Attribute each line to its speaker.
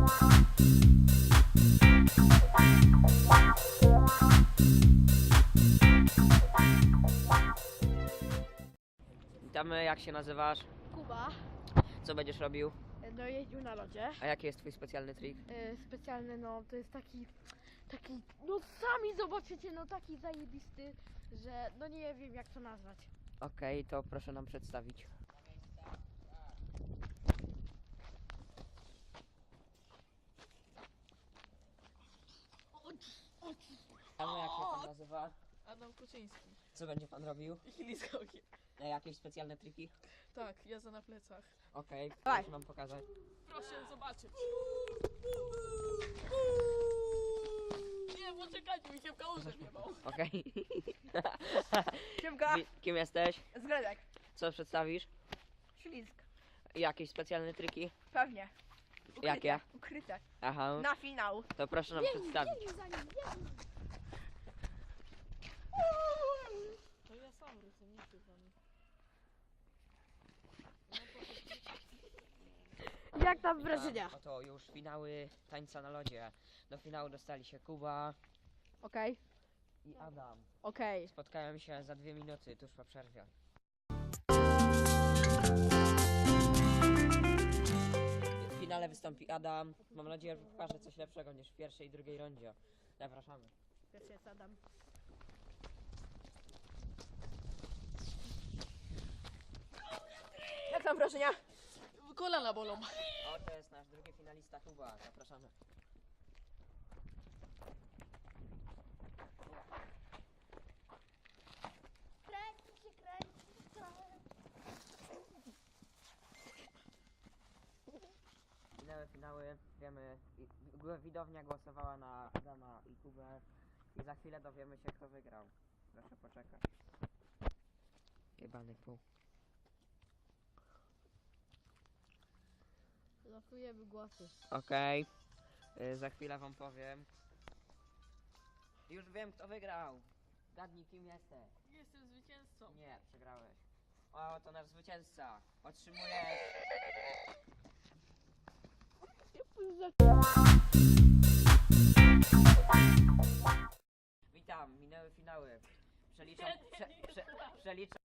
Speaker 1: Witamy, jak się nazywasz?
Speaker 2: Kuba,
Speaker 1: Co będziesz robił?
Speaker 2: no jeździł na lodzie.
Speaker 1: A jaki jest twój specjalny trik?
Speaker 2: Specjalny, no to jest taki, no sami zobaczycie, no taki zajebisty, że no nie wiem jak to nazwać.
Speaker 1: Okej, to proszę nam przedstawić. Witamy, jak się pan nazywa?
Speaker 3: Adam Kuczyński.
Speaker 1: Co będzie pan robił?
Speaker 3: Ślizgogie.
Speaker 1: Jakieś specjalne triki?
Speaker 3: Tak, jazda na plecach.
Speaker 1: Okej,
Speaker 2: Dawaj.
Speaker 1: proszę nam pokazać.
Speaker 3: Proszę zobaczyć. Nie, poczekajcie, mi się w kałużę wjebał.
Speaker 1: Okej.
Speaker 2: Siemka,
Speaker 1: Kim jesteś?
Speaker 2: zgredek,
Speaker 1: Co przedstawisz?
Speaker 2: ślizg,
Speaker 1: Jakieś specjalne triki?
Speaker 2: pewnie. Ukryte,
Speaker 1: Jakie?
Speaker 2: Ukryte,
Speaker 1: Aha,
Speaker 2: na finał.
Speaker 1: to proszę nam przedstawić.
Speaker 3: To ja sam rycę, nie ty za nim.
Speaker 2: Jak tam wrażenia?
Speaker 1: Oto już finały tańca na lodzie. Do finału dostali się Kuba
Speaker 2: Okej,
Speaker 1: i Adam.
Speaker 2: okej.
Speaker 1: Spotkają się za 2 minuty, tuż po przerwie. W finale wystąpi Adam. Mam nadzieję, że pokaże coś lepszego niż w pierwszej i drugiej rundzie. Zapraszamy.
Speaker 2: Pierwszy jest Adam. Jak tam wrażenia?
Speaker 3: Kolana bolą.
Speaker 1: O, to jest nasz drugi finalista Kuba. Zapraszamy. Minęły finały, wiemy, widownia głosowała na Adama i Kubę i za chwilę dowiemy się, kto wygrał. Proszę poczekać. Jebany pół.
Speaker 2: Losujemy głosy.
Speaker 1: Okej, za chwilę wam powiem. Już wiem, kto wygrał. Gadnij, kim jesteś.
Speaker 3: Jestem zwycięzcą.
Speaker 1: Nie, przegrałeś. O, to nasz zwycięzca. Otrzymujesz... Witam, minęły finały. Przeliczam... Przeliczam...